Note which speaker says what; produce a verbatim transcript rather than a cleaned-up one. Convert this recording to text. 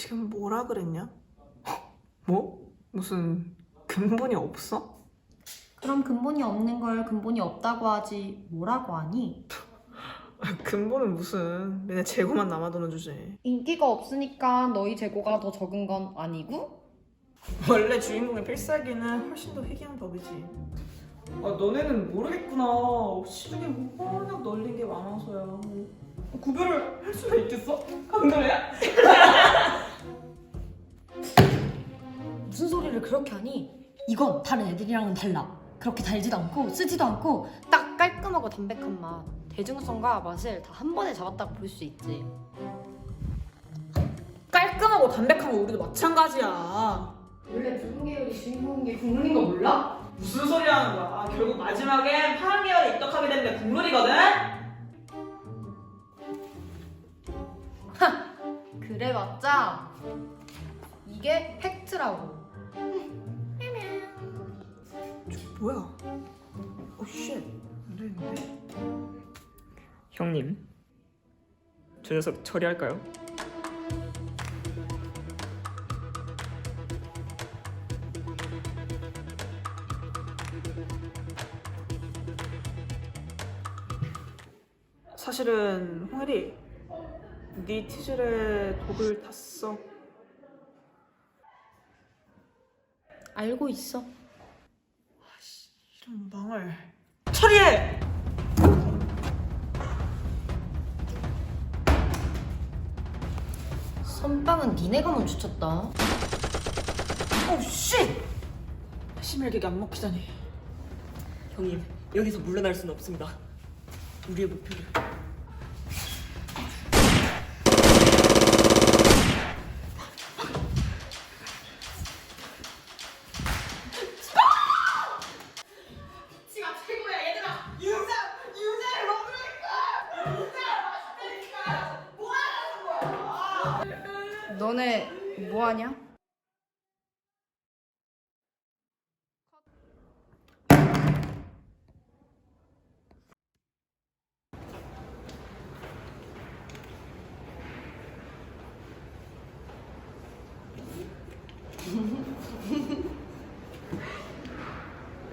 Speaker 1: 지금 뭐라 그랬냐? 뭐? 무슨 근본이 없어?
Speaker 2: 그럼 근본이 없는 걸 근본이 없다고 하지 뭐라고 하니?
Speaker 1: 근본은 무슨 맨날 재고만 남아도는 주제.
Speaker 2: 인기가 없으니까 너희 재고가 더 적은 건 아니고?
Speaker 1: 원래 주인공의 필살기는 훨씬 더 희귀한 법이지. 아 너네는 모르겠구나. 시중에 뭐 워낙 널린 게 많아서야. 구별을 할 수가 있겠어? 강도래야?
Speaker 2: 무슨 소리를 그렇게 하니? 이건 다른 애들이랑은 달라. 그렇게 달지도 않고 쓰지도 않고 딱 깔끔하고 담백한 맛. 대중성과 맛을 다 한 번에 잡았다고 볼 수 있지.
Speaker 1: 깔끔하고 담백한 거 우리도 마찬가지야.
Speaker 2: 원래 붉은 계열이 주인공인 게 국룰인 거 몰라?
Speaker 1: 무슨 소리 하는 거야? 아, 결국 마지막엔 파란 계열에 입덕하게 되는 게 국룰이거든?
Speaker 2: 그래봤자 이게 팩트라고.
Speaker 1: 뭐야? 오 쉣. 안 되는데.
Speaker 3: 형님, 저 녀석 처리할까요?
Speaker 1: 사실은 홍혜리, 네 티즐에 독을 탔어.
Speaker 2: 알고 있어.
Speaker 1: 이런 망할. 처리해!
Speaker 2: 선빵은 니네가 멈추쳤다.
Speaker 1: 오 쉣! 심혈객이 안 먹히다니.
Speaker 3: 형님, 여기서 물러날 수는 없습니다. 우리의 목표를.
Speaker 1: 지가 최고야 얘들아. 유자! 유자를 먹으라니까! 유자! 맛있다니까! 뭐 하는 거야?
Speaker 2: 너네 뭐하냐?